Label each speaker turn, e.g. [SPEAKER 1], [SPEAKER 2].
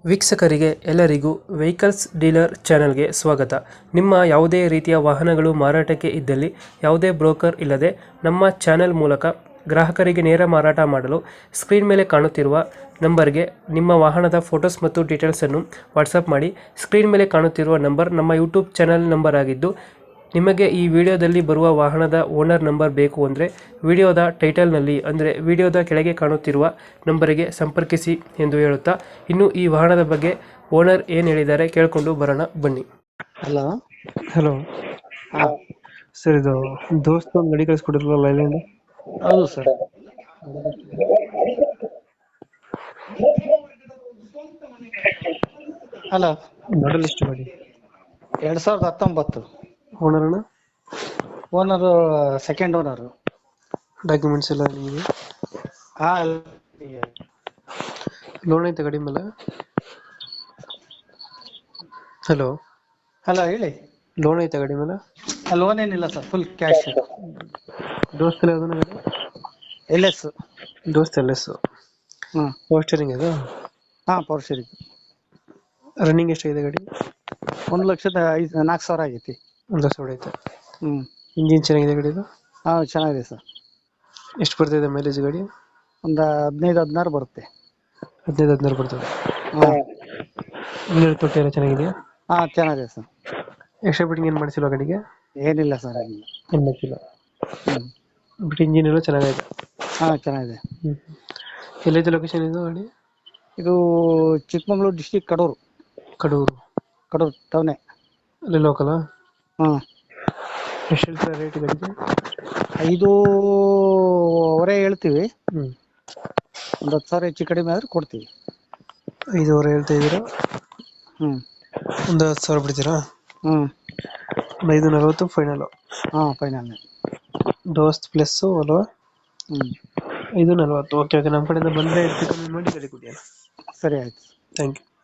[SPEAKER 1] ವೀಕ್ಷಕರಿಗೆ ಎಲ್ಲರಿಗೂ vehicles dealer ಚಾನೆಲ್ಗೆ ಸ್ವಾಗತ. ನಿಮ್ಮ ಯಾವುದೇ ರೀತಿಯ ವಾಹನಗಳು ಮಾರಾಟಕ್ಕೆ ಇದ್ದಲ್ಲಿ ಯಾವುದೇ ಬ್ರೋಕರ್ ಇಲ್ಲದೆ ನಮ್ಮ ಚಾನೆಲ್ ಮೂಲಕ ಗ್ರಾಹಕರಿಗೆ ನೇರ ಮಾರಾಟ ಮಾಡಲು ಸ್ಕ್ರೀನ್ ಮೇಲೆ ಕಾಣುತ್ತಿರುವ ನಂಬರ್ಗೆ ನಿಮ್ಮ ವಾಹನದ ಫೋಟೋಸ್ ಮತ್ತು ಡೀಟೇಲ್ಸನ್ನು ವಾಟ್ಸಪ್ ಮಾಡಿ. ಸ್ಕ್ರೀನ್ ಮೇಲೆ ಕಾಣುತ್ತಿರುವ ನಂಬರ್ ನಮ್ಮ ಯೂಟ್ಯೂಬ್ ಚಾನೆಲ್ ನಂಬರ್ ಆಗಿದ್ದು, ನಿಮಗೆ ಈ ವಿಡಿಯೋದಲ್ಲಿ ಬರುವ ವಾಹನದ ಓನರ್ ನಂಬರ್ ಬೇಕು ಅಂದರೆ ವಿಡಿಯೋದ ಟೈಟಲ್ನಲ್ಲಿ ಅಂದರೆ ವಿಡಿಯೋದ ಕೆಳಗೆ ಕಾಣುತ್ತಿರುವ ನಂಬರಿಗೆ ಸಂಪರ್ಕಿಸಿ ಎಂದು ಹೇಳುತ್ತಾ, ಇನ್ನು ಈ ವಾಹನದ ಬಗ್ಗೆ ಓನರ್ ಏನು ಹೇಳಿದ್ದಾರೆ ಕೇಳಿಕೊಂಡು ಬರೋಣ ಬನ್ನಿ.
[SPEAKER 2] ಹಲೋ.
[SPEAKER 1] ಹಲೋ
[SPEAKER 2] ಹಾ,
[SPEAKER 1] ಸರ್, ಇದು ದೋಸ್ತ ಒಂದು ಗಾಡಿ ಕಳಿಸ್ಕೊಡಿರಲ್ಲ ಲೈಲ್ಯಾಂಡ್,
[SPEAKER 2] ಹೌದು ಸರ್. ಹಲೋ.
[SPEAKER 1] ಮಾಡಲ್ ಎಷ್ಟು ಗಾಡಿ?
[SPEAKER 2] 2019.
[SPEAKER 1] ಓನರ್ ಅಣ್ಣ?
[SPEAKER 2] Owner second owner.
[SPEAKER 1] ಡಾಕ್ಯುಮೆಂಟ್ಸ್ ಎಲ್ಲ ನಿಮಗೆ?
[SPEAKER 2] ಹಾ,
[SPEAKER 1] ಲೋನ್ ಐತೆ ಗಾಡಿ ಮೇಲೆ? ಹಲೋ,
[SPEAKER 2] ಹಲೋ ಹೇಳಿ.
[SPEAKER 1] ಲೋನ್ ಐತೆ ಗಾಡಿ ಮೇಲೆ?
[SPEAKER 2] ಲೋನ್ ಏನಿಲ್ಲ ಸರ್, ಫುಲ್ ಕ್ಯಾಶ್.
[SPEAKER 1] ದೋಸ್ತಲ್ಲಿ ಯಾವ್ದನ ಗಾಡಿ?
[SPEAKER 2] LS.
[SPEAKER 1] ದೋಸ್ತ್ LS.
[SPEAKER 2] ಹ್ಮ್.
[SPEAKER 1] ಪವರ್ ಸ್ಟೇರಿಂಗ್ ಅದು?
[SPEAKER 2] ಹಾ, ಪವರ್ ಶೇರಿಂಗ್.
[SPEAKER 1] ರನ್ನಿಂಗ್ ಎಷ್ಟಾಗಿದೆ ಗಾಡಿ?
[SPEAKER 2] 1,04,000 ಆಗೈತಿ.
[SPEAKER 1] ಒಂದು ಸಾವಿರ ಐತೆ.
[SPEAKER 2] ಹ್ಮ್.
[SPEAKER 1] ಇಂಜಿನ್ ಚೆನ್ನಾಗಿದೆ ಗಾಡಿದು?
[SPEAKER 2] ಹಾ, ಚೆನ್ನಾಗಿದೆ ಸರ್.
[SPEAKER 1] ಎಷ್ಟು ಬರ್ತಿದೆ ಮೈಲೇಜ್ ಗಾಡಿ?
[SPEAKER 2] ಒಂದು 15-16 ಬರುತ್ತೆ.
[SPEAKER 1] 15-16 ಬರ್ತದೆ.
[SPEAKER 2] ಹಾ.
[SPEAKER 1] ಇನ್ನೂರು ತೊಟ್ಟಿ ಎಲ್ಲ ಚೆನ್ನಾಗಿದೆಯಾ?
[SPEAKER 2] ಹಾ, ಚೆನ್ನಾಗಿದೆ ಸರ್.
[SPEAKER 1] ಎಕ್ಸ್ಟ್ರಾ ಬಿಟ್ಟಿಂಗ್ ಏನು ಮಾಡಿಸಿಲ್ಲ ಗಾಡಿಗೆ?
[SPEAKER 2] ಏನಿಲ್ಲ ಸರ್, ಏನಿಲ್ಲ.
[SPEAKER 1] ಏನು ಮಾಡಿಸಿಲ್ಲ.
[SPEAKER 2] ಹ್ಮ್.
[SPEAKER 1] ಬಟ್ ಇಂಜಿನ್ ಎಲ್ಲ ಚೆನ್ನಾಗಿದೆ.
[SPEAKER 2] ಹಾ, ಚೆನ್ನಾಗಿದೆ.
[SPEAKER 1] ಎಲ್ಲೈತೆ ಲೊಕೇಶನ್ ಇದು ಗಾಡಿ?
[SPEAKER 2] ಇದು ಚಿಕ್ಕಮಗಳೂರು ಡಿಸ್ಟಿಕ್, ಕಡೂರು.
[SPEAKER 1] ಕಡೂರು
[SPEAKER 2] ಟೌನೆ.
[SPEAKER 1] ಅಲ್ಲಿ ಲೋಕಲಾ?
[SPEAKER 2] ಹ್ಮ್.
[SPEAKER 1] ಎಷ್ಟು ಹೇಳ್ತಾರೆ ರೇಟ್ ಗಾಡಿಗೆ?
[SPEAKER 2] 5,500 ಹೇಳ್ತೀವಿ.
[SPEAKER 1] ಹ್ಮ್.
[SPEAKER 2] ಒಂದು 10,000 ಹೆಚ್ಚು ಕಡಿಮೆ ಆದ್ರೆ ಕೊಡ್ತೀವಿ.
[SPEAKER 1] 5,500 ಹೇಳ್ತಾ ಇದ್ದೀರಾ?
[SPEAKER 2] ಹ್ಮ್.
[SPEAKER 1] ಒಂದು 10,000 ಬಿಡ್ತೀರಾ?
[SPEAKER 2] ಹ್ಮ್.
[SPEAKER 1] ಒಂದು 540 ಫೈನಲ್?
[SPEAKER 2] ಹಾ, ಫೈನಲ್.
[SPEAKER 1] ದೋಸ್ತ್ ಪ್ಲಸ್ ಅಲ್ವಾ?
[SPEAKER 2] ಹ್ಮ್.
[SPEAKER 1] 540. ಓಕೆ ಓಕೆ, ನಮ್ಮ ಕಡೆಯಿಂದ ಬಂದರೆ ಹೆಚ್ಚು ಕಮ್ಮಿ ಮಾಡಿ ಗಾಡಿ ಕೊಡಿ.
[SPEAKER 2] ಸರಿ, ಆಯ್ತು.
[SPEAKER 1] Thank you.